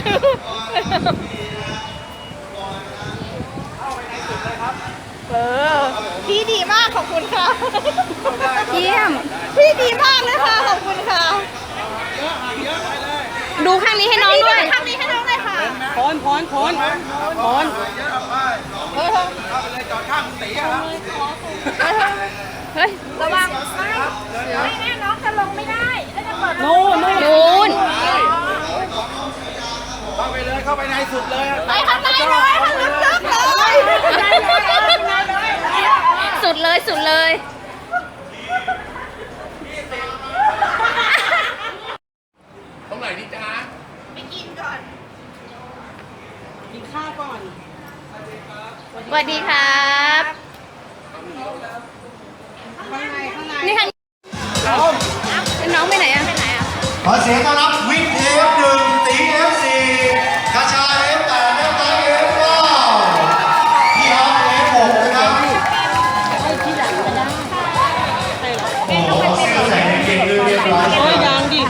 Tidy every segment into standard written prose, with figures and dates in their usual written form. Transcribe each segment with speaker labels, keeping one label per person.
Speaker 1: พี่ดีมากขอบคุณค่ะ
Speaker 2: เยี่ยม
Speaker 1: พี่ดีมากเลยค่ะขอบคุณค่ะ
Speaker 2: ดูข้างนี้ให้น้องด้วย
Speaker 1: ข้างนี้ให้น้องเลยค่ะ
Speaker 2: พร
Speaker 1: เฮ้ย
Speaker 2: เฮ้ย
Speaker 1: ระวังไม่แน่น้องจะลงไม่ได้แล้วจะเปิด
Speaker 2: นู่น
Speaker 3: เข้าไปในสุดเลย
Speaker 1: ไปข้างในเลยข้างลึกๆเลย
Speaker 2: สุดเลยสุดเลย
Speaker 3: ตรงไหนดีจ๊ะ
Speaker 1: ไปกินก่อน
Speaker 2: สวัสดีครับนี่ข้างน้องไปไหนอะ
Speaker 4: ขอเสียงต้อนรับวิทย์ F1 ตี F4 กระชา F8 น้ำตาล F9 พี่ออฟ F6 นะครับโอ้โหเสื้อใส่เก่งๆเรียบร้อยยังดิ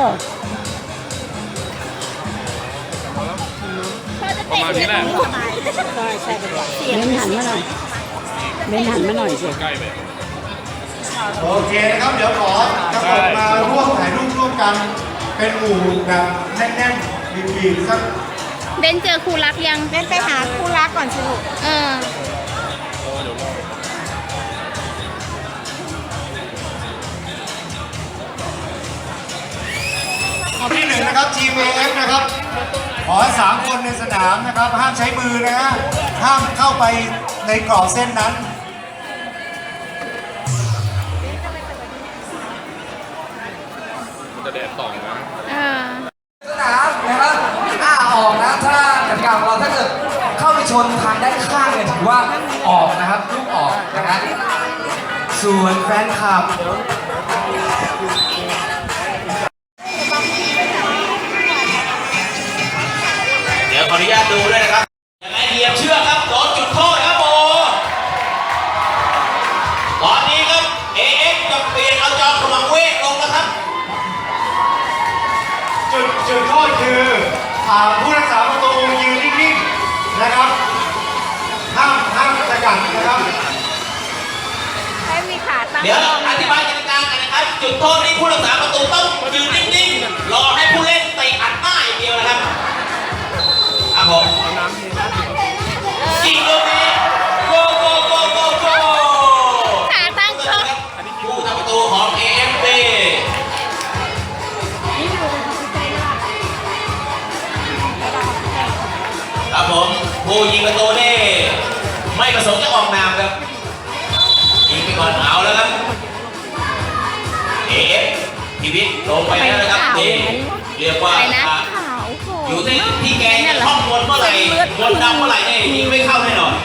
Speaker 3: ประมาณนี้แหละ
Speaker 5: เบนหันมาหน่อยสิ
Speaker 3: ใกล้ไป
Speaker 4: โอเคนะครับ เดี๋ยวขอกระโดดมาร่วมถ่ายรูปร่วมกัน เป็นหมู่แบบแน่นๆบีบๆสัก
Speaker 2: เบนเจอครูรักยัง
Speaker 1: เล่นไปหาคู่รักก่อนสิลูก
Speaker 2: เออ
Speaker 4: ที่1นะครับ ทีม AF นะครับ ขอให้3คนในสนามนะครับ ห้ามใช้มือนะฮะ ห้ามเข้าไปในกรอบเส้นนั้น
Speaker 3: จะแดดต่องนะ
Speaker 2: เออ
Speaker 5: สนามนะครับออกนะถ้ากติกาของเราถ้าเกิดเข้าไปชนทางด้านข้างเนี่ยถือว่าออกนะครับลูกออกนะฮะส่วนแฟนคลับ
Speaker 6: เดี๋ยวขออนุญาตดูด้วยนะครับยังไงเหยียบเชือกครับโดนจุดโทษครับโอตอนนี้ครับ AF จะเปลี่ยนเอาจอมกำลังเวทลงนะครับ
Speaker 4: จุดโทษคือผู้รักษาประตูยืนนิ่งๆนะครับ ห้ามสกัดนะครับ
Speaker 1: ให้มีขาตั้ง
Speaker 6: เดี๋ยวอธิบายกติกากันนะครับ จุดโทษนี้ผู้รักษาประตูต้องยืนนิ่งๆรอให้ผู้เล่นเตะอัดหน้าอย่างเดียวนะครับครับผมยิงลูกนี้โกโกโกโกโก
Speaker 2: ขาตั้งก็
Speaker 6: ผู้ทำประตูของ AFC ครับผมผู้ยิงประตูนี่ไม่ประสงค์จะออกนามครับยิงไปก่อนเอาแล้วครับ AF พีวิทย์ลงไปแล้วนะครับนี่เรียกว่า
Speaker 2: อะไรนะ
Speaker 6: อยู่ที่แกจะท่องวนเมื่อไหร่วนดำเมื่อไหร่เนี่ยยิงไม่เข้าแน่นอน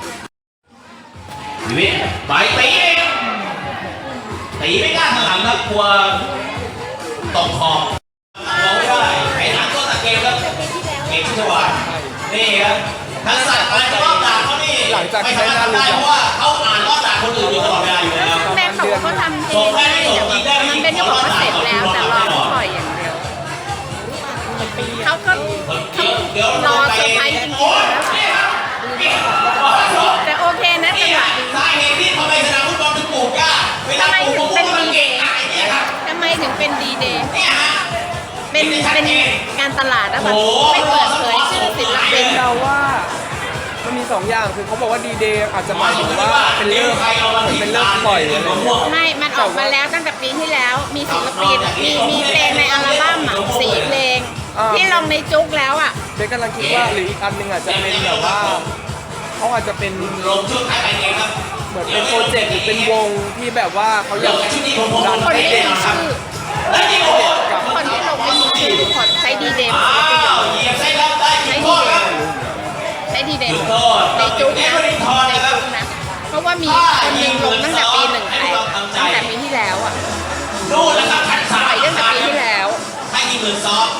Speaker 6: พีวิทย์ไปตีเองตีไม่กล้าข้างหลังครับกลัวตกขอบมองไม่ได้ไอ้หนังตัวตะเกียบครับเก่งชัวร์นี่ครับทักษะการจะรอบด่าเขานี่ไม่สามารถทำได้เพราะว่าเขาอ่านรอบด่าคนอื่นอยู่ตลอดเวลาอยู่แล้ว
Speaker 2: แม่เขาบอกเขาทำเองมันเป็นเขาบอกว่าเสร็จแล้วแต่รอเขาปล่อยอย่างเดียวเขาก็รอเซอร์ไพรส์จริงๆนะแต่โอเคนะจังหวะดี
Speaker 6: สาเหตุที่ทำไมสนามฟุตบอลถึงปลูกหญ้าเวลาปลูกมะม่วงมันเก่งอะไรเนี่ยครับ
Speaker 2: ทำไมถึงเป็นดีเดย์
Speaker 6: เนี่ยฮะ
Speaker 2: เป็นการตลาดนะแบบไม่เปิดเผยชื่อศิลปิน
Speaker 7: เราว่ามันมี2อย่างคือเขาบอกว่าดีเดย์อาจจะหมายถึงว่าเป็นเลิกปล่อยอะไรอย่างเงี้ย
Speaker 2: ไม่มันออกมาแล้วตั้งแต่ปีที่แล้ว มีศิลปิน มีเพลงในอัลบั้มอ่ะ4 เพลง ที่ลงในจุกแล้วอ่ะ
Speaker 7: เบสกำลังคิดว่าหรืออีกอันหนึ่งอาจจะเป็นแบบว่าเขาอาจจะเป็น
Speaker 6: ลงชุดขายไปเองครับ
Speaker 7: เหมือนเป็นโปรเจกต์หรือเป็นวงที่แบบว่าเขาอยาก
Speaker 6: ชุดนี้ผม
Speaker 7: ดัน
Speaker 2: คน
Speaker 7: ให้
Speaker 2: ที่
Speaker 7: เด็ก
Speaker 2: มีชื่อ
Speaker 6: และที่โอ้โห
Speaker 2: คนที่ลงไม่มีชื่อทุกคนใช้ดีเดย์
Speaker 6: อ้าวเหยียบไส้รับได้จุดโทษครับ
Speaker 2: ใช้ดีเดย์
Speaker 6: จุดโทษ
Speaker 2: ในจุก
Speaker 6: เน
Speaker 2: นะ
Speaker 6: เวอร์ลินทอน
Speaker 2: ใน
Speaker 6: นะครับ
Speaker 2: จุกนะ เพราะว่ามีคนหนึ่งลงตั้งแต่ปี1ไปตั้งแต่ปีที่แล้วอ่ะ
Speaker 6: นู่นแล้วครับชั้นสาม
Speaker 2: ปล่อยตั้งแต่ปีที่แล้ว
Speaker 6: ให้ยิง1-2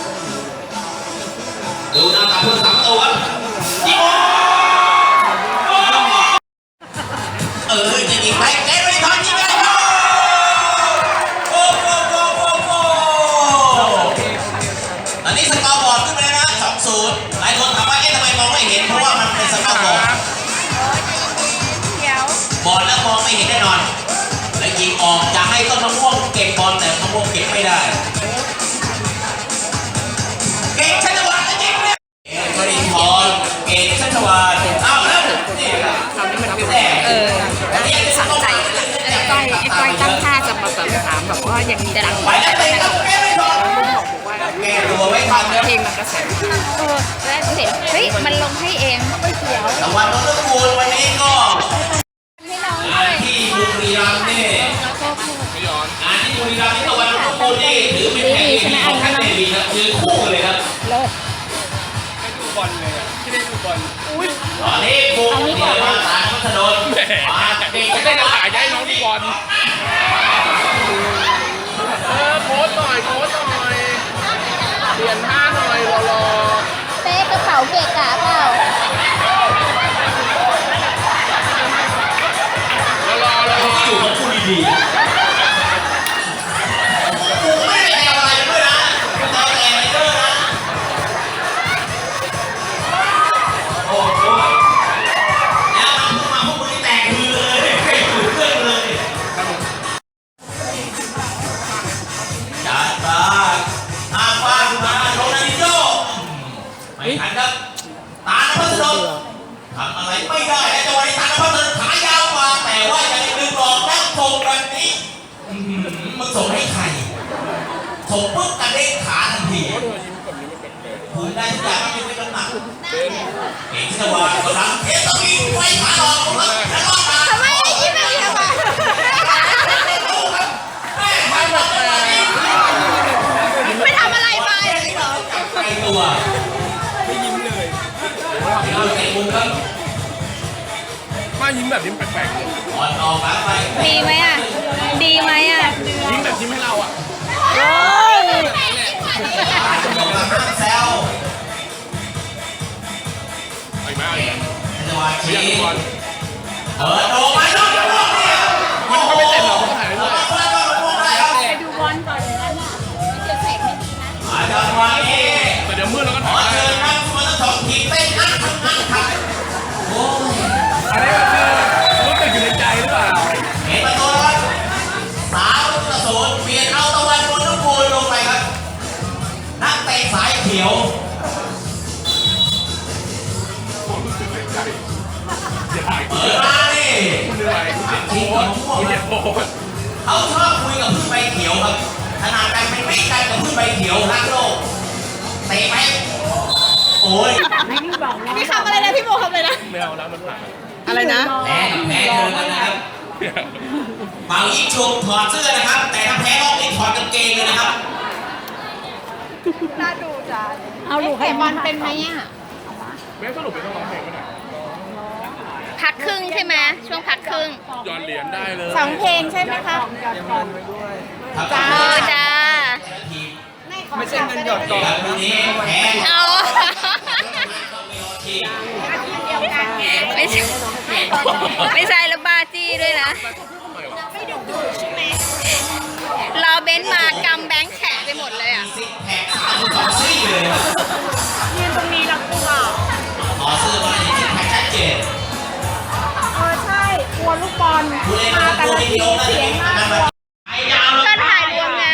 Speaker 6: ดูหน้าตาผู้สามตัวครับยิงจะยิงไปเนเวอร์ลินทอนยิงไปเลยครับโอ้โหตอนนี้สกอร์บอร์ดขึ้นไปแล้วนะ 2-0 หลายคนถามว่าเอ๊ะทำไมมองไม่เห็นเพราะว่ามันเป็นสภาพบอล
Speaker 2: เดี๋ยว
Speaker 6: บอลแล้วมองไม่เห็นแน่นอน และยิงออกจะให้ต้นมะม่วงเก็บบอลแต่มะม่วงเก็บไม่ได้เก่งชัชวาลจะยิงเนี่ยบริพรเก่งชัชวาลเอาแล้วนี่ครับอันนี้คือ
Speaker 2: สะใจไอ้ก้อยตั้งท่าจะมาแบบถามแบบว่ายังมีดัง
Speaker 6: ไปแล้วเตะแล้วแก้ไม่ทันแก้ตัวไม่ทันนะ
Speaker 2: เพลงมันกระแสแล้วเห็นเฮ้ยมันลงให้เองไม่เขียว
Speaker 6: แต่วันต้นคูณวันนี้ก็
Speaker 2: ให้น้อง
Speaker 6: งานที่บุรีรัมย์นี่งานที่บุรีรัมย์นี่ตะวันต้นคูณนี่ถือเป็นแข่งที่ของแคทเดวีครับคือคู่กันเลยครับ
Speaker 2: เลิศ
Speaker 3: ดูบอลเลยอ่ะที่ได้ดูบอล
Speaker 6: ตอนนี้บุกเดี๋ยวมาสารพัฒนนมาเก่ง
Speaker 3: ไม่ได้จะถ่ายให้น้องดูบอลโค้ชหน่อยโค้ชหน่อยเปลี่ยนท่าหน่อยรอ
Speaker 2: เป๊กระเป๋าเกะกะเปล่า
Speaker 6: อยู่กับคู่ดีๆกูไม่ได้แซวอะไรด้วยนะกูแซวแต่อะไรด้วยนะโอ้โหแล้วมาพวกมึงนี่แตกคือเลยไม่ถูกเรื่องเลยจัดตาทางบ้านมาโรนัลดิโญ่ไม่ทันครับตาณพัฒนนท์ทำอะไรไม่ได้และจังหวะนี้ตาณพัฒนนท์ขายาวมาแต่ว่ายังดึงออกแล้วส่งแบบนี้มึงส่งให้ใครส่งปุ๊บกระเด้งขาทันทีพื้นได้ทุกอย่างไม่เป็นน้ำหนักเก่งที่จะวางกำลังเทสต์วิ่งไฟขาหลอกแล้วก็ขา
Speaker 2: ทำไมยิ้มแบบนี้ทำไม ไม่ทำอะไรไป
Speaker 6: ไกลตัว
Speaker 3: ไม่ยิ้มเลย
Speaker 6: เราเตะมุมครับ
Speaker 3: มายิ้มแบบยิ้มแปลกๆเลย
Speaker 6: บอลออกหลังไป
Speaker 2: ดีไหมอ่ะ ดีไหมอ่ะ
Speaker 3: ยิ้มแบบยิ้มให้เราอ่ะ
Speaker 2: โอ้ย
Speaker 6: ห้ามแซว
Speaker 3: ไปมา
Speaker 6: จังหวะ
Speaker 3: ไม่
Speaker 6: ชี้
Speaker 3: อยากดูบอล
Speaker 6: เปิดโดนไปนอกจากนอกเนี่ย
Speaker 3: มันก็ไม่เต็มหรอกมันก็ถ่ายเรื่อย
Speaker 2: ไปดูบอลก่อนนะเดี๋ยวแสงไม่ดีนะ
Speaker 6: จังหวะนี้
Speaker 3: แต่เดี๋ยวมืดแล้วก็
Speaker 6: ข
Speaker 3: ถ่า
Speaker 6: อย
Speaker 3: ได้
Speaker 6: เชิญนักฟุตบอลทั้งสองทีมเต้นอัดโอ้ย
Speaker 3: อันนี้ก็คือรู้สึกอยู่ในใจหรือเปล่า
Speaker 6: เห็นประตูแล้ว3-0เปลี่ยนเอาตะวันบนทุกคูณลงไปครับนักเตะสายเขียว
Speaker 3: รู้สึกในใจอย่าถ่ายกู
Speaker 6: เปิดมานี่
Speaker 3: เหนื่อยกูเจ็บโคตรกูเจ็บโคตร
Speaker 6: เขาชอบคุยกับพึ่งใบเขียวครับขนาดกันเป็นไม่กันกับพึ่งใบเขียวรักโลกเตะไหมโอ้ย
Speaker 2: พี่คำอะไรนะ พี่โมคำอะไรนะ
Speaker 3: ไม่เอาแล้วมันผ่าน
Speaker 2: อะไรนะ
Speaker 6: แพ้กับแพ้เจอกันนะครับเป่ายิงฉุบถอดเสื้อนะครับ แต่ถ้าแพ้รอบนี้ถอดกางเกงเลยนะครับ
Speaker 2: น่าดูจ้าเอาลูกให้บอลเป็นไหมอ่ะ
Speaker 3: แม่สรุปเป็นต้องร้องเพลงก็ได้
Speaker 2: พักครึ่งใช่ไหมช่วงพักครึ่ง
Speaker 3: ย้อนเหรียญได้เลย
Speaker 2: สองเพลงใช่ไหมคะ
Speaker 6: จ้า
Speaker 2: จ้า
Speaker 7: ไม่ใช่เงินหยอดกล่อง
Speaker 6: ครับ
Speaker 7: นะ
Speaker 6: วันนี้แพ้
Speaker 2: เอา
Speaker 6: ทีม
Speaker 2: ไม่ใช่ไม่ใช่แล้วบาจี้ด้วยนะรอเบนซ์มากำแบงค์แข็งไปหมดเลยอ่ะ
Speaker 6: ซิกแพค32ซี่เลยครับ
Speaker 2: ยืนตรงนี้แล้วกลัว
Speaker 6: ถอดเสื้อมาอย่างซิกแพคชัดเจน
Speaker 1: ใช่กลัวลูกบอล
Speaker 6: ผู้เล่นของผู้ที่ลงน่าจะเป็นนักแบบไอ้ยาวเลย
Speaker 2: ก็ถ่ายรวมไง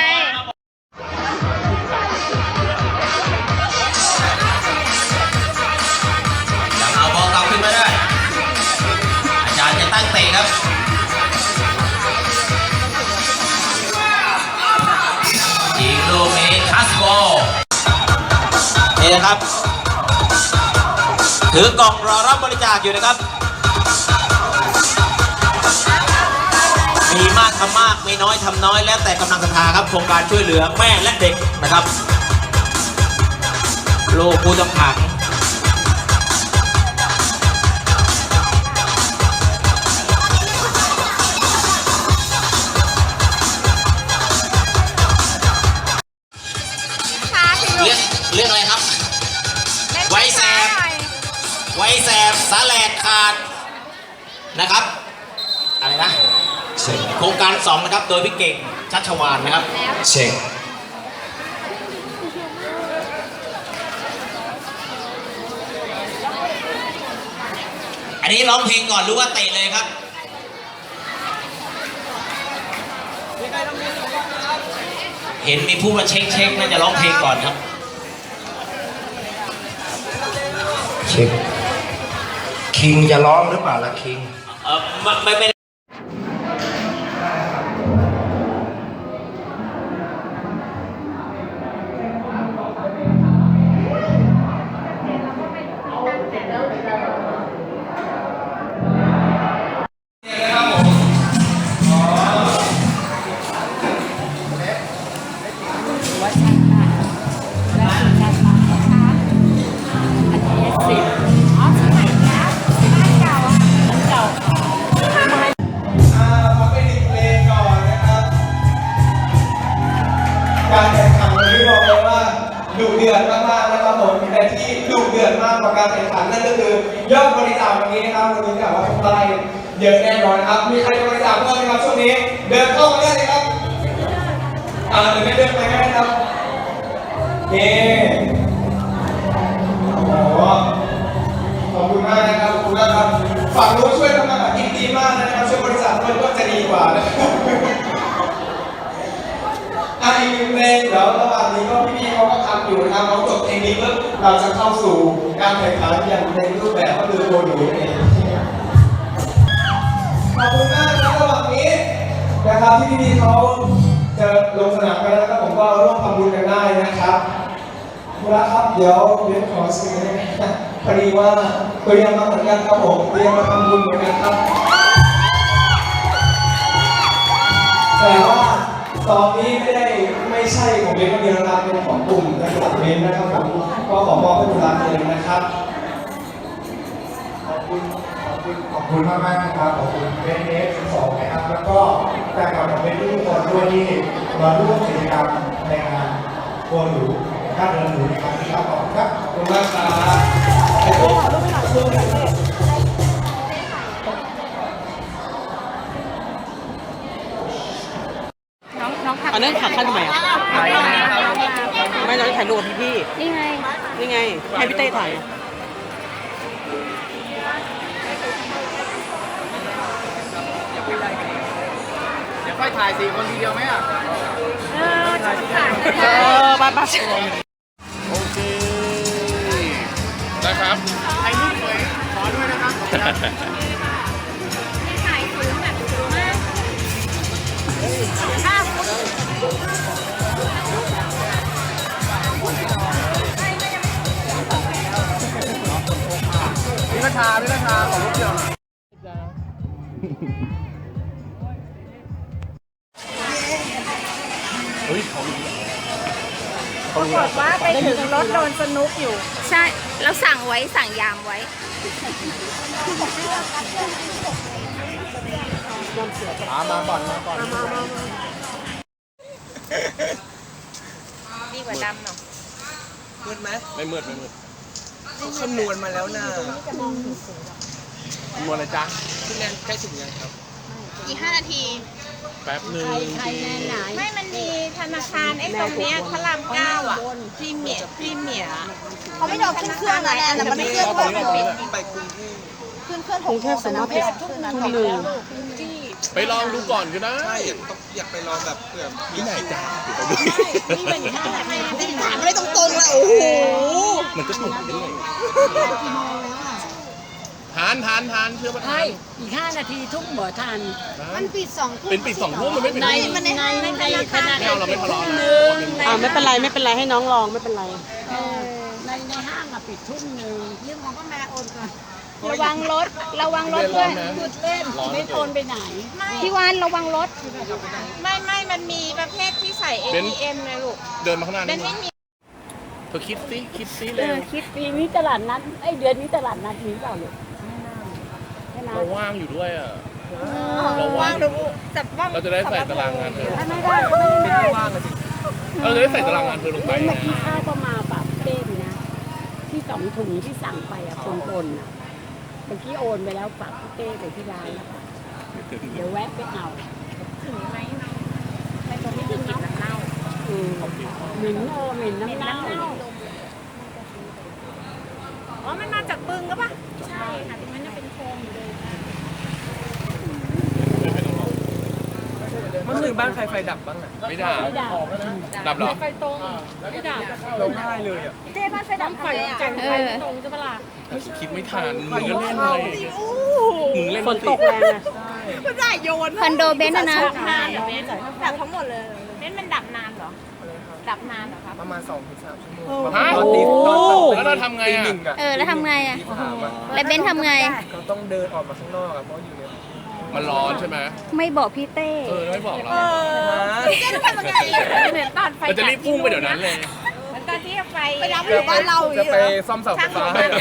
Speaker 6: ยังเอาบอลกลับขึ้นมาได้ อาจารย์จะตั้งเตะครับยิงลูกนี้ทัสบอลนี่นะครับ ถือกล่องรอรับบริจาคอยู่นะครับ มีมากทำมากมีน้อยทำน้อยแล้วแต่กำลังศรัทธาครับโครงการช่วยเหลือแม่และเด็กนะครับลูกผู้ต้องขังเรื่องอะไรครับ ไว้แสบสาแหลกขาดนะครับอะไรนะโครงการ2นะครับโดยพี่เก่งชัชวาลนะครับเช็คอันนี้ร้องเพลงก่อนหรือว่าเตะเลยครับ เห็นมีผู้มาเช็คน่าจะร้องเพลงก่อนครับ
Speaker 4: เช็คคิงจะร้องหรือเปล่าล่ะคิง
Speaker 6: ไม่
Speaker 8: การแข่งขันวันนี้บอกเลยว่าดุเดือดมากๆนะครับผมแต่ที่ดุเดือดมากกว่าการแข่งขันนั่นก็คือยอดบริจาควันนี้นะครับวันนี้กล่าวว่าต้องได้เยอะแน่นอนครับมีใครบริจาคเพิ่มไหมครับช่วงนี้เดินเข้ามาได้เลยครับหรือไม่เดินไปก็ได้ครับเย้โอ้โหขอบคุณมากนะครับขอบคุณมากครับฝั่งนู้นช่วยทำงานแบบดีมากนะครับช่วยบริจาคด้วยก็จะดีกว่านะครับอีกหนึ่งเพลงเดี๋ยวระหว่างนี้ก็พี่ๆเขาก็ทำอยู่นะครับเขาจบเพลงนี้ปุ๊บเราจะเข้าสู่การแข่งขันอย่างเต็มรูปแบบก็คือโบนูนั่นเองขอบคุณมากนะระหว่างนี้นะครับที่พี่ๆเขาจะลงสนามกันแล้วก็ผมก็ร่วมทำบุญกันได้นะครับครับเดี๋ยวขอซื้อพอดีว่าเตรียมมาเหมือนกันครับผมเตรียมมาทำบุญเหมือนกันครับแต่ว่าตอนนี้ไม่ใช่ของเบนคนเดียวนะครับเป็นของกลุ่มนะครับเบนนะครับผมก็ขอมอบให้คุณรักเลยนะครับ
Speaker 4: ขอบคุณมากๆนะครับขอบคุณเบนเอฟ12นะครับแล้วก็แฟนคลับของเบนทุกคนด้วยที่มาร่วมกิจกรรมในงานโกหนูค่าเดินหนูในครั้งนี้ครับขอบคุณครับ
Speaker 8: ขอบคุณมากครับ
Speaker 2: อันนั้นขับขั้นทำไมอ่ะไม่เราถ่ายรูปกับพี่นี่ไงให้พี่เต้ถ่าย
Speaker 3: เดี๋ยวค่อยถ่าย4 คนทีเดียวไหมอ่ะ
Speaker 2: บ้า
Speaker 3: โอเคนะครับถ่ายรูปสวยขอด้วยนะครับ
Speaker 1: ถ่ายสูงแบบสูงมากถ้าคุณ
Speaker 3: พี่กระชาขอรูปเดียวหน่อย
Speaker 1: ปรากฏว่าไปถึงรถโดนสนุกอยู่
Speaker 2: ใช่แล้วสั่งยามไว้
Speaker 3: มาก่อน
Speaker 2: ดีกว่าดำเนาะ
Speaker 7: มืดไหม
Speaker 3: ไม่มืด
Speaker 7: เขาคำนวณมาแล้วนะ
Speaker 3: มัวอะไรจ๊ะ
Speaker 7: พี่แนนใกล้ถึงยังครับ
Speaker 2: อีก5 นาที
Speaker 3: แป๊บหนึ่ง
Speaker 2: ไม่มันมีธนาคารไอ้ตรงเนี้ยพระราม9อ่ะพรีเมียร์เขาไม่ยอมขึ้นเครื่องอะไรแต่มันไม่เครื่องก็มันปิด
Speaker 7: ไปกรุงเทพ
Speaker 2: ขึ้นเครื่องของเทพสมมติทุ่มหนึ่ง
Speaker 3: ไปลองดูก่อนก็ได้
Speaker 7: ใช่อยากไปลองแบบเผื่อมี
Speaker 3: ที่ไหนจ๊ะ
Speaker 2: นี่มันถามไม่ตรงๆเลยโอ้โห
Speaker 3: มันก็ถูกด้วยทานเชื่อว่าทาน
Speaker 9: อีก5 นาทีทุ่มบ่ทัน
Speaker 2: มันปิด2 ทุ่ม
Speaker 3: เป็นปิด2 ทุ่มมันไม่เป็น
Speaker 9: ใน
Speaker 3: ไร
Speaker 9: ขณะ
Speaker 3: ไม่เอาเราไม่ทะเลาะ
Speaker 2: ไม่เป็นไรให้น้องลองไม่เป็นไร
Speaker 9: ในห้างปิดทุ่ม1ยืมของพ่อแม่โอนก่อน
Speaker 2: ระวังรถด้วย
Speaker 9: หยุดเล่นไม่โอนไปไหน
Speaker 2: พี่วานระวังรถไม่มันมีประเภทที่ใส่ ATM เลยลูก
Speaker 3: เดินมาข้างหน้า
Speaker 2: เป็
Speaker 3: นี่
Speaker 2: นไม่มี
Speaker 3: เธอคิดซิเร็ว
Speaker 9: คิดปีนี้ตลาดนัดเดือนนี้ตลาดนัดมีเปล่าลูกใช่ไหม
Speaker 3: เราว่างอยู่ด้วยอ่ะ
Speaker 2: ว่างดูจับว่าง
Speaker 3: เราจะได้ใส่ตารางงานเธอ
Speaker 9: ไม่ได้ก็ไม่ได้
Speaker 7: ว่างเลยสิ
Speaker 3: เราจะได้ใส่ตารางงานเธอลงไป
Speaker 9: เมื่อ
Speaker 3: นะ
Speaker 9: กี้ข้าก็มาปรับเต้นนะที่2 ถุงที่สั่งไปคนๆเมื่อกี้โอนไปแล้วฝากพี่เต้ไปที่ร้านแล้วเดี๋ยวแวะไปเอาถึงไหมเนาะไปตรงนี้ถึงน้ำเน่าเหม็นน้ำเน่า
Speaker 1: อ๋อ มันมาจากบึงก็ปะใช่ค่ะตรงนั้นจะเป็นโครงอยู่เลย
Speaker 7: เมื่อคืนบ้านใครไฟดับบ้างอ่ะ
Speaker 3: ไม่ด่าดับเหรอ
Speaker 1: ไฟตรงไม่ดับ
Speaker 7: ร้องไห้เลยอ่ะ
Speaker 1: เจ๊บ้านไฟดับไฟจังไฟตรงจะเปล่า
Speaker 3: คิดไม่ทันมึงก็เล่นเลยมึงเล่น
Speaker 9: ฝนตกแรงอะ
Speaker 1: ไม่ได้โยน
Speaker 2: คอนโดเบนซ์นะ
Speaker 1: นานเหรอเบนดับทั้งหมดเลยเบนมันดับนานเหรอ ดับนานเหรอครับ
Speaker 7: ประมาณ2-3 ชั่วโมง
Speaker 3: ฮะ
Speaker 7: ตอนตีตอน
Speaker 3: แล้วเราทำไง
Speaker 7: ตี
Speaker 3: อ่ะ
Speaker 7: หนึ่งอ่ะ
Speaker 2: แล้วทำไงอ่ะ
Speaker 7: ตีสามอ่ะ
Speaker 2: แล้วเบนซ์ทำไง
Speaker 7: เราต้องเดินออกมาข้างนอกอ่ะเพราะอยู่เนี่ย
Speaker 3: มันร้อนใช่ไหม
Speaker 2: ไม่บอกพี่เต้
Speaker 3: ไม่บอกเรา
Speaker 1: เจ๊ทำไมมันไงเหมือนตอนไฟ
Speaker 3: เราจะรีบพุ่งไปเดี๋ยวนั้นเลย
Speaker 1: เหมือนตอนที่ไฟไปรับอยู่บ้านเรา
Speaker 7: จะไปซ่อมเสาไฟฟ้าให้เหรอ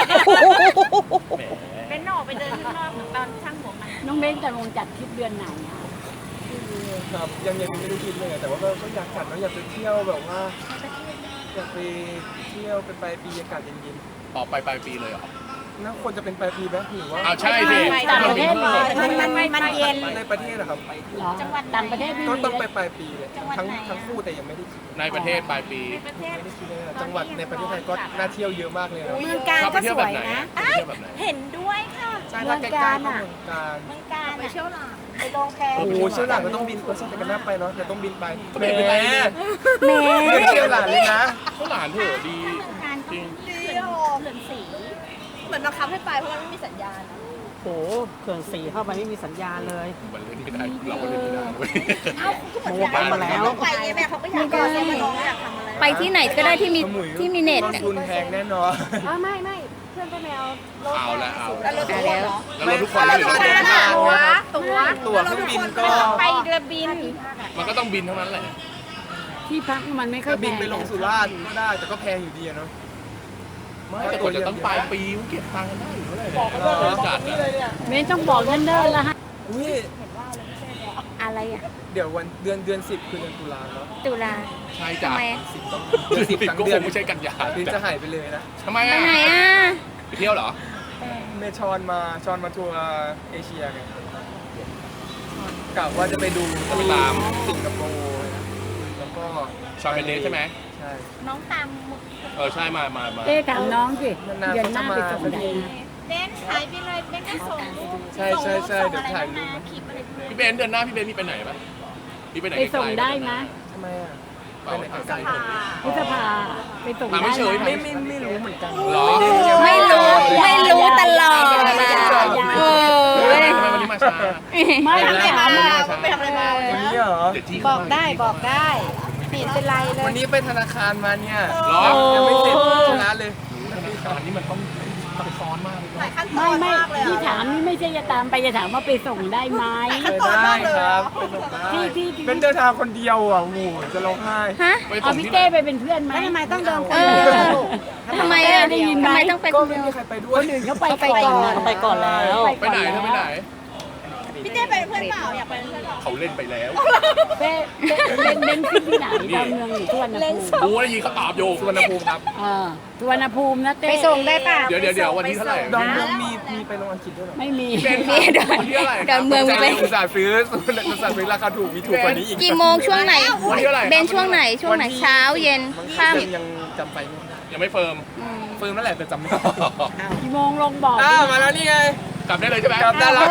Speaker 1: เป็นออกไปเดินข้างนอกเหมือนตอนช่างหัวมัน
Speaker 9: น้องเบนจะลงจัดทริปเดือนไหนอะ
Speaker 7: ครับยังไม่ได้คิดเลยอะแต่ว่าก็อยากจัดนะอยากไปเที่ยวแบบว่าอยากไปเที่ยวไปปลายปีอากาศเย็น
Speaker 3: ออกไปปลายปีเลยเหรอ
Speaker 7: ๆน่าควรจะเป็นปลายปีไหมหรือว่า
Speaker 3: อ้าวใช่สิ
Speaker 9: ต่างประเทศมา
Speaker 1: มันเย็น
Speaker 7: ในประเทศนะครับ
Speaker 9: เหรอต่างประเทศไม่
Speaker 7: ก็
Speaker 9: มี
Speaker 7: ต้อง
Speaker 9: เล
Speaker 7: ไป
Speaker 9: ย
Speaker 7: ปลายปีเลยทั้งคู่แต่ยังไม่ได้คิด
Speaker 3: ในประเทศปลายปี
Speaker 1: ประเทศ
Speaker 7: ไม่ได้คิดเลยอะจังหวัดในประเทศไทยก็น่าเที่ยวเยอะมากเลยนะ
Speaker 1: เมืองการ
Speaker 3: ชอบไป
Speaker 1: ก็
Speaker 3: เที่ย
Speaker 1: ส
Speaker 3: วแบ
Speaker 1: ว
Speaker 3: บ
Speaker 1: ย
Speaker 3: ไหน
Speaker 1: นะ
Speaker 3: ไปเที่ยวแบบไหน
Speaker 1: เห็นด้วยค่ะ
Speaker 7: ใช่ถ้าใกล้ๆก็เมืองการ
Speaker 1: เมืองการไปเที่ยวหลังไปลงแพ
Speaker 7: โอ้โหเชี่ยวหลานก็ต้องบินใช่แต่กันหน้าไปเนาะแต่ต้องบินไป
Speaker 3: ก็บินไป
Speaker 7: แหม
Speaker 2: แหม
Speaker 7: เชี่ยวหลานเลยนะ
Speaker 3: ข้าวหลานเถอะดีจริง
Speaker 1: เที่ยวเขื่อนสีเหมือนบังคับให้ไปเพราะมันไม่มีสัญญาณ
Speaker 9: โอ้โหเขื่อนสีเข้าไปไม่มีสัญญาณเลย
Speaker 3: มันเล่นไม่ได้เราก็เล่นไม่ได้เว้ย
Speaker 9: โมกันมาแล้ว
Speaker 1: ไปไงแม่เขาก็อยากไปมาลองอยากทำอะไร
Speaker 2: ไปที่ไหนก็ได้ที่มีเน็ต
Speaker 7: ต้น
Speaker 2: เนี่ย
Speaker 7: ทุนแพงแน่นอน
Speaker 1: ไม่เพื่อนไปแมว
Speaker 3: เอาละเอา
Speaker 1: แล้วรถทุกคนเหรอ
Speaker 3: แล้วเราทุกคนไม่เหลือ
Speaker 7: ตั๋วเครื่องบินก็
Speaker 1: ไปเรือบิน
Speaker 3: มันก็ต้องบินเท่านั้นแหละ
Speaker 9: ที่พักมันไม่ค่อ
Speaker 7: ก็
Speaker 9: ยแพ
Speaker 7: บิน
Speaker 9: ง
Speaker 7: ไปลงสุราษฎร์ก็ได้แต่ก็แพงอยู่ดีอะเนาะ
Speaker 3: ไม่แต่กว่าจะต้องปลายปีมันเก็บตังค์กันได้อยู่เท่าไหร่เนี่ยจัดอะ
Speaker 9: เบนต้องบอกเนิ่นๆแล้วฮะ
Speaker 7: อุ้ย
Speaker 2: อะไรอ่ะ
Speaker 7: เดี๋ยววันเดือน10คือเดือนตุลาเนาะ
Speaker 2: ตุลา
Speaker 3: ใช่จ้ะ
Speaker 2: ทำไมอะ
Speaker 7: เดือน10
Speaker 3: ปิด
Speaker 7: ทั้ง
Speaker 3: ก็
Speaker 7: เดื
Speaker 3: ค
Speaker 7: อน
Speaker 3: งไม่ใช่กันยา
Speaker 7: บินจะหายไปเลยนะ
Speaker 3: ทำไม
Speaker 2: ไป
Speaker 3: อ่ะ
Speaker 2: ไหนอ่ะ
Speaker 3: ไปเที่ยวเหรอ
Speaker 7: เมชอนมาทัวร์เอเชียไงกะว่าจะไปดูที่สิงคโปร์แล้วก็
Speaker 3: ชอนเป็นเดทใช่ไหม
Speaker 7: ใช่
Speaker 1: น้องตาม
Speaker 3: ใช่มา
Speaker 9: เอ๊ะถามน้องสิ
Speaker 7: นานๆ
Speaker 9: เดือนหน้าไปส่ง
Speaker 7: เขาจะ
Speaker 9: ไหน
Speaker 7: มา
Speaker 9: นะ
Speaker 1: เบนหายไปเลยเบนก็ส่งรูป
Speaker 7: ใช่เดี๋ยวถ่ายรูป
Speaker 1: คลิปอะไร
Speaker 3: พี่เบนเดือนหน้าพี่เบนมีไปไหนปะพี่ไปไหน
Speaker 9: ไปส่งได้นะ
Speaker 7: ทำไมอ่ะ
Speaker 3: เปล่า
Speaker 7: ไปไหน
Speaker 3: ไกล
Speaker 9: พฤษภาไปส่ง
Speaker 3: มา
Speaker 9: ได้
Speaker 3: ไม่เฉย
Speaker 9: นะ
Speaker 7: ไม่รู้เหมือนกัน
Speaker 3: หรอ
Speaker 2: ไม่รู้ตลอดนะโอ้
Speaker 3: ทำ
Speaker 2: ย
Speaker 3: ไมวันนี้มาช้า
Speaker 9: ไม่ถามอ่ะ
Speaker 1: ไปทำอะไรมา
Speaker 7: วันนี้เหรอ
Speaker 3: เดี๋ยวที่
Speaker 1: บอกได้ไม่เป็นไรเล
Speaker 7: วั
Speaker 1: ย
Speaker 7: นนี้ไปธนาคารมาเนี่ย
Speaker 3: หรอ
Speaker 7: ยังไม่เสร็จชนะเลย
Speaker 3: อันนี้มันต้องซับซ้อนมากเลย
Speaker 1: หลายขั้นตอ
Speaker 9: ไม่
Speaker 1: นมากเลย
Speaker 9: ที่ถามนี่ไม่ใช่จะตามไปจะถามว่าไปส่งได้ไหม
Speaker 7: ไปได้ครับไปส่งได้
Speaker 9: ที่
Speaker 7: เป็นเดินทางคนเดียวอ่ะโอ้โหจะร้องไห้
Speaker 2: ฮะ
Speaker 3: ไป
Speaker 9: เอา
Speaker 3: ส่ง
Speaker 9: พี่
Speaker 3: ที่ไหน
Speaker 9: เต้ไปเป็นเพื่อนไหมทำไมต้องเดิน
Speaker 2: เออทำไมอ่ะ
Speaker 9: ได้ยินไหม
Speaker 2: ทำไมต้องไป
Speaker 7: ก็
Speaker 2: คน
Speaker 7: ไม่
Speaker 2: เดียว
Speaker 7: มีใครไปด้วย
Speaker 9: คนอื่นเขาไปก่อน
Speaker 2: ไปก่อนแล้ว
Speaker 3: ไปไหนเธอไปไหน
Speaker 1: พี่เต้ไปเป็นเพื่อนเปล่าอยากไปเป็นเพื่อนเปล่า
Speaker 3: เขาเล่นไปแล้ว
Speaker 9: เต้เป็นขึ้นที่ไหนดอนเมืองหรือสุวรรณภูมิ
Speaker 3: กูได้ยินเขาตอบอยู่
Speaker 7: สุวรรณภูมิครับ
Speaker 9: สุวรรณภูมินะเต้
Speaker 1: ไปส่งได้ป่ะ
Speaker 3: เดี๋ยววันที่เท่าไหร่
Speaker 7: ดอนเมืองมีไปลงอังกฤษด้วยเหรอ
Speaker 9: ไม่มี
Speaker 3: เป็น
Speaker 2: มีเดิน
Speaker 3: วันที่เท่าไหร่
Speaker 2: เดินเมืองมีไป
Speaker 7: อุตส่าห์ซื้อราคาถูกมีถูกกว่านี้อีก
Speaker 2: กี่โมงช่วงไหน
Speaker 3: วันที่เท่าไหร่
Speaker 2: เบนช่วงไหนเช้าเย็นค่ำ
Speaker 7: ยังจำไปไม่ได้
Speaker 3: ยังไม่เฟิร์ม
Speaker 7: เฟิร์มนั่นแหละแต่จำไม่ได้
Speaker 9: กี่โมงลงบอก
Speaker 7: มาแล้วนี่ไง
Speaker 3: กลับได้เลยใช่ไหม
Speaker 7: กลับได้แล้ว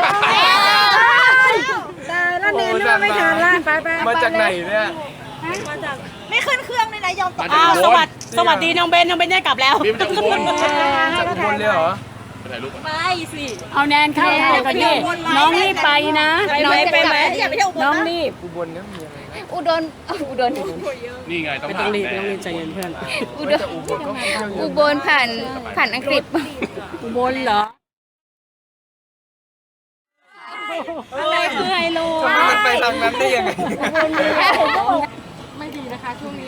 Speaker 1: ได้แล้วเนนไม่ทันละไป
Speaker 7: มาจากไหนเนี่ย
Speaker 1: มาจากไม่ขึ้นเครื่องเลยนะยอมตก
Speaker 3: มาจากอุบล
Speaker 9: สวัสดีน้องเบนได้กลับแล้ว
Speaker 3: พี่มาจากอุบล
Speaker 7: จากอุบลเลยเหรอ
Speaker 3: ไปถ่ายรูปก่อน
Speaker 1: ไปสิ
Speaker 9: เอาแนนเข้าไทยก่อนดิน้องรีบไปนะ
Speaker 1: น้องไปไหมอย่าไปเที่ยวอุบล
Speaker 9: น้อง
Speaker 1: นะ
Speaker 9: รีบ
Speaker 7: อุบลเนี่ยมีอะไร
Speaker 2: อุดร
Speaker 3: นี่ไงต้องผ่านแน่
Speaker 9: ใจเย็นเพื่อน
Speaker 2: อุดร
Speaker 7: จากอุบลก็เที่ยวเย
Speaker 2: อุ
Speaker 7: อะ
Speaker 2: บลผ่านอังกฤษ
Speaker 9: อุบลเหรอ
Speaker 1: อะไรคือไฮโล
Speaker 7: ทำไมมันไปทางนั้นได้ยังไง
Speaker 1: ไม่ดีนะคะช่วงนี้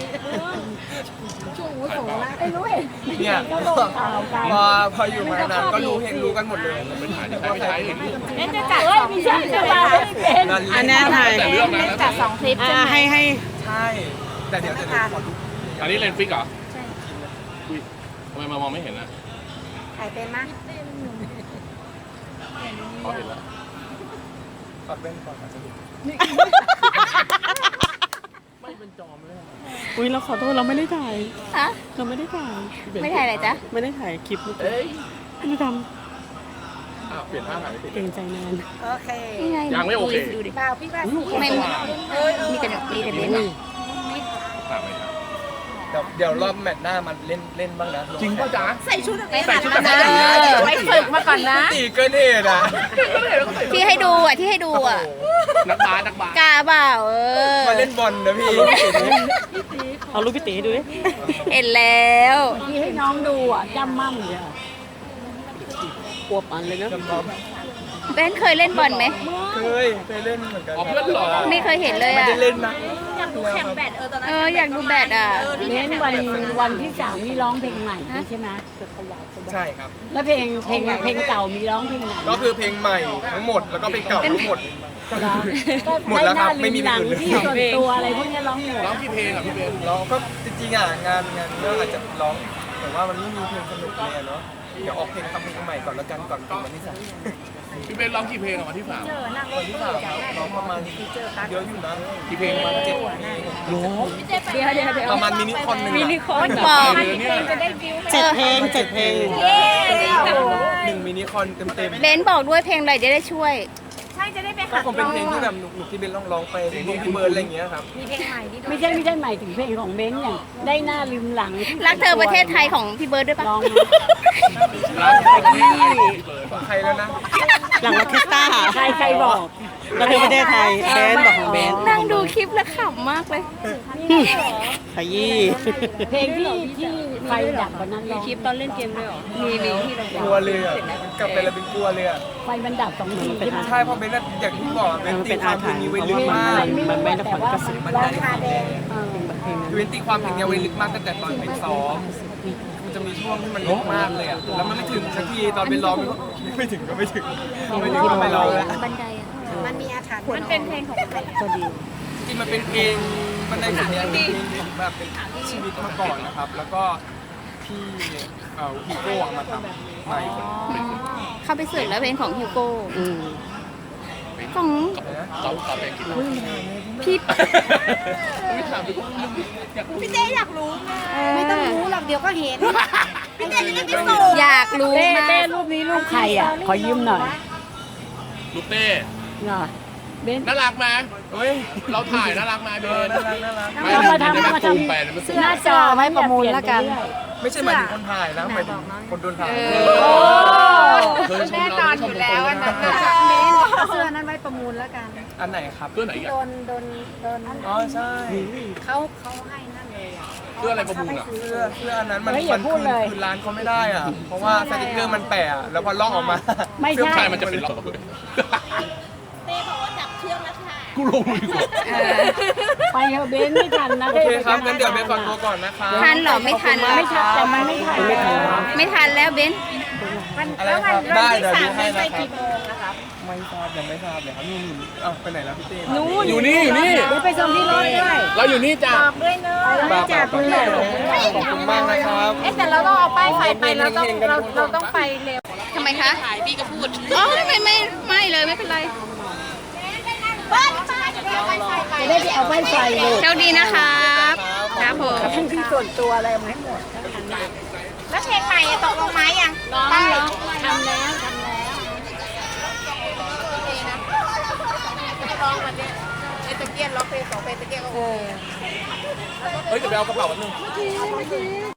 Speaker 7: เนี่ย
Speaker 9: ก็ลงข่าวกัน
Speaker 7: พออยู่มานานก็รู้กันหมดเลย
Speaker 3: เป็นถ่ายที่ใช้ไม่ใช้เห็น
Speaker 1: เล่นจะจัด
Speaker 9: เฮ้ยมีช่างจะมาไม่เป็น
Speaker 7: อันนี้ถ่าย
Speaker 3: แต่เรื่องนะ
Speaker 1: จัด2คลิปใช่ไหม
Speaker 7: ให้ใช่ แต่เดี๋ยวขอดู
Speaker 3: อันนี้เลนส์ฟิกเหรอใช่ทำไมมามองไม่เห็นอ่ะ
Speaker 1: ถ่ายเป็นมั้ย
Speaker 3: เขาเห็นแล้ว
Speaker 7: ปัดแว่นก่อนอาจจะเห็น
Speaker 3: ไม่เป็นเป็นจอมเลย
Speaker 10: อุ้ยเราขอโทษเราไม่ได้ถ่าย
Speaker 2: ฮะ
Speaker 10: เราไม่ได้ถ่าย
Speaker 2: ไม่ถ่ายอะไรจ๊ะ
Speaker 10: ไม่ได้ถ่ายคลิปเมื่อกี้
Speaker 3: เอ้ย
Speaker 10: ไม่ได้ท
Speaker 3: อ้าวเปลี่ยนท่าถ่ายไม่ติด
Speaker 10: ำเกรงใจนาน
Speaker 1: โอเค
Speaker 2: นี่ไง
Speaker 3: ยังไม่โอเค
Speaker 2: ดูดิ
Speaker 1: เปล่าพี่ว่า
Speaker 2: ไม่มีแต่มีแต่เบนซ์
Speaker 3: ตามไปครับ
Speaker 7: เดี๋ยวรอบแมตช์หน้ามันเล่นบ้างนะ
Speaker 3: จริงป่ะจ๊ะ
Speaker 1: ใส่ชุดอะไร
Speaker 3: ใส่ชุดแบบ
Speaker 2: เอ
Speaker 3: นี้
Speaker 2: อไปฝึกมาก่อนนะ
Speaker 7: ตีเกินเหตุอ่ะ
Speaker 2: ที่ให้ดูอ่ะที่ให้ดูอ่ะ
Speaker 3: นักบาส
Speaker 2: กล้าเปล่า
Speaker 7: มาเล่นบอลนะพี่
Speaker 10: เอารูปพี่ตีให้ดูดิ
Speaker 2: เห็นแล้ว
Speaker 9: ที่ให้น้องดูอ่ะจำมั่มเลยอะ
Speaker 10: ปวบอันเลยนะ
Speaker 2: เบนซ์เคยเล่นบอลไหม
Speaker 7: เคยเล่นเหมือนกัน
Speaker 3: อ๋อเพื่อนหรอ
Speaker 2: ไม่เคยเห็นเลย
Speaker 7: ไม่
Speaker 2: อ่ะ
Speaker 7: ได้เล่นนะ
Speaker 1: อยากดูแข่งแบดตอนนั้น
Speaker 2: อยากดูแบดอ่ะ
Speaker 9: เน้นวันที่3นี่ร้องเพลงใหม่ใช่ไหม
Speaker 7: ใช่ครับ
Speaker 9: แล้วเพลงเก่ามีร้องเพลงไหน
Speaker 7: ก็คือเพลงใหม่ทั้งหมดแล้วก็เพลงเก่าทั้งหมด
Speaker 9: ก็
Speaker 7: หมดแล้วครับไม่มี
Speaker 9: หนัง
Speaker 7: เพลงอื่น
Speaker 9: ที่ส่วนตัวอะไรพวกนี้ร้องหมด
Speaker 3: ร้องกี่เพลงอ่ะพี่เบน
Speaker 7: เราก็จริงๆอ่ะงานก็อาจจะร้องแต่ว่ามันไม่มีเพลงสนุกเลยอะเนาะเดี๋ยวออกเพลงทำเพลงใหม่ก่อนแล้วกันก่อนวันที่ 3
Speaker 3: พี่เบนร้องกี่เพลงอ่ะวันที่3
Speaker 7: วันที่ 3ครับร้องประมาณเยอะอยู่นะ
Speaker 3: กี่เพลง
Speaker 7: ประมาณ7เพลง
Speaker 2: เดี๋ยว
Speaker 7: ประมาณมินิคอนหนึ่ง
Speaker 2: มินิ
Speaker 7: อะ
Speaker 2: คอนบอก
Speaker 10: 7 เพลง 7 เพลง
Speaker 7: 1มินิคอนเต็ม
Speaker 2: เบนซ์บอกด้วยเพลงอะไรจะได้ช่วย
Speaker 1: ใช่จะได้ไป
Speaker 7: ๆก็
Speaker 1: หัด
Speaker 7: คงเป็นเพลงที่แบบหนุกๆที่เบนร้องไปเพลงพี่เบิร์ดอะไรอย่างเงี้ยครับ
Speaker 1: มีเพลงใหม่ที่
Speaker 9: ไม่ใช่หมายถึงเพลงของเบนซ์อย่างได้หน้าลืมหลังที่
Speaker 2: รักเธอประเทศไทยของพี่เบิร์ดด้วยปะ
Speaker 9: ร้อง
Speaker 3: ร้องเพลงที่พี่เบิร์ด
Speaker 7: ของใครแล้วนะ
Speaker 10: หลังออร์เคสตรา
Speaker 9: ใครบอก
Speaker 10: แล้วเธอประเทศไทยแบนบอกของแบน
Speaker 2: นั่งดูคลิปแล้วขำมากเลย
Speaker 10: ขยี้
Speaker 9: เพลงที่ไฟดับวันนั้นร้อง
Speaker 2: คลิปตอนเล่นเกมด้วยหรอ มีที่เรา
Speaker 7: กลัวเลยอ่ะกลับไปแล้วเป็นกลัวเลยอ่ะ
Speaker 9: ไฟมันดับ2 ทีใช่ไหม
Speaker 7: ใช่เพราะเบนน่ะอย่างที่บอกอะเบน
Speaker 10: มัน
Speaker 7: ตี
Speaker 10: เป็น
Speaker 7: ควา
Speaker 10: อาม
Speaker 7: เพล
Speaker 10: ถรง รพ์
Speaker 7: นี้
Speaker 10: เพ
Speaker 7: ไว้
Speaker 10: ราะ
Speaker 7: ลึก
Speaker 10: ว่า
Speaker 7: มาก
Speaker 10: มันไม่ได้ผลกระสุน
Speaker 7: มัน
Speaker 1: ร้อ
Speaker 7: ได้
Speaker 1: งคาแดง
Speaker 10: เพลงนั้น
Speaker 7: คือเบนตีความเพลงนี้ไว้ลึกมากตั้งแต่ตอนเป็นซ้อมมันจะมีช่วงที่มันลึกมากเลยอ่ะแล้วมันไม่ถึงสักทีตอนเป็นร้องมันก็ไม่ถึงก็ไม่ถึงก็ไม่ร้องแล้ว
Speaker 2: บันไดอ่ะ
Speaker 1: มันมีอาถรรพ์มันเป็นเพลงของใคร
Speaker 9: พอดี
Speaker 7: จริงมันเป็นเพลงมันในสิ่งนี้เป็นเพลงของแบบเป็นชีวิตมาก่อนนะครับ แล้วก็พี่ฮีโก้เอามาทำใหม่
Speaker 2: เข้าไปเสิร์ชแล้วเพลงของฮิวโก้
Speaker 10: อืม
Speaker 2: ของ
Speaker 3: เขาเพลงกี่เพลง
Speaker 2: พี่
Speaker 3: ไม่ถามดิ
Speaker 1: พี่เต้อยากรู้ไงไม่ต้องรู้หรอกเดี๋ยวก็เห็นพี่เต้จะได้ไปส่ง
Speaker 2: อยากรู้
Speaker 9: เต้
Speaker 2: มาก
Speaker 9: เต้รูปนี้รูปใครอ่ะ ขอยืมหน่อย
Speaker 3: ลูกเต้
Speaker 9: เนาะเบนซ์
Speaker 3: น่ารักไหม
Speaker 7: เฮ้ย
Speaker 3: เราถ่ายน่ารักไหมเบน
Speaker 7: น่ารักน่ารัก
Speaker 9: เอามาทำ
Speaker 3: ไม่ซูมไปมันซูม
Speaker 9: หน้าจอไว้ประมูลแล้วกัน
Speaker 7: ไม่ใช่หมายถึงคนถ่ายนะหมายถึงคนโดนถ่าย
Speaker 3: แน่นอนอยู่แล้วอันนั้น
Speaker 1: เสื้อนั้นไว้ประมูลแล้วกัน
Speaker 7: อันไหนครับ
Speaker 3: เสื้อไหนอีกัน
Speaker 1: โดน
Speaker 7: อ๋อใช่
Speaker 1: เขาให้นั่นเลยอ่ะ
Speaker 3: เสื้ออะไรประมูลอ่ะ
Speaker 7: เสื้ออันนั้นมัน
Speaker 9: เฮ้ยอย่าพูดเลย
Speaker 7: คืนร้านเขาไม่ได้อ่ะ เพราะว่าสติ๊กเกอร์มันแปะอะแล้วพอลอกออกมา
Speaker 9: ไม่ใช่
Speaker 3: ใช่มันจะเป็นล็อกเลย
Speaker 1: เต้บอกว่าจับเชือกแล้วค่ะ
Speaker 3: กูลงดีกว่า
Speaker 9: ไปเถอะเบนซ์ไม่ทันนะ
Speaker 7: โอเคครับงั้นเดี๋ยวเบนขอตัวก่อนนะคะ
Speaker 2: ทันเหรอไม่ทัน
Speaker 9: ไม่ทันแต่มันไม่ทัน
Speaker 10: ไม่ทันแล้ว
Speaker 2: ไม่ทันแล้วเบน
Speaker 7: อะไรครับได้เดี๋ยวดูให้นะครับไม่ทราบยังไม่ทราบเลยครับนู่นอ้าวไปไหนแล้วพี่เต้
Speaker 3: อยู่นี่อยู่นี่
Speaker 9: เดี๋ยวไปส่งที่รถด้วย
Speaker 3: เราอยู่นี่จ้ะ
Speaker 1: ด้วยเนอะ
Speaker 7: แบบขอบคุณมากนะครับ
Speaker 1: แต่เราต้องเอาป้ายไฟไปเราต้องไปเร็ว
Speaker 2: ทำไมคะถ่ายพี่ก็พูดอ๋อไม่เลยไม่เป็นไร
Speaker 9: จะได้ไปเอาไฟไฟลูก
Speaker 2: โชคดีนะครับครับผม
Speaker 9: ทั้งที่ส่วนตัวอะไรเอามาให้หมด
Speaker 1: แล้วเพลงใหม่ตกลงไหมยัง
Speaker 9: ร้องทำแล้ว
Speaker 1: ร้องวันนี้ไอ้ตะเกียนร้องเพลง2 เพลงตะเกียนก็โอเค
Speaker 3: เฮ้ยเดี๋ยวไปเอากระเป๋าแป๊บนึง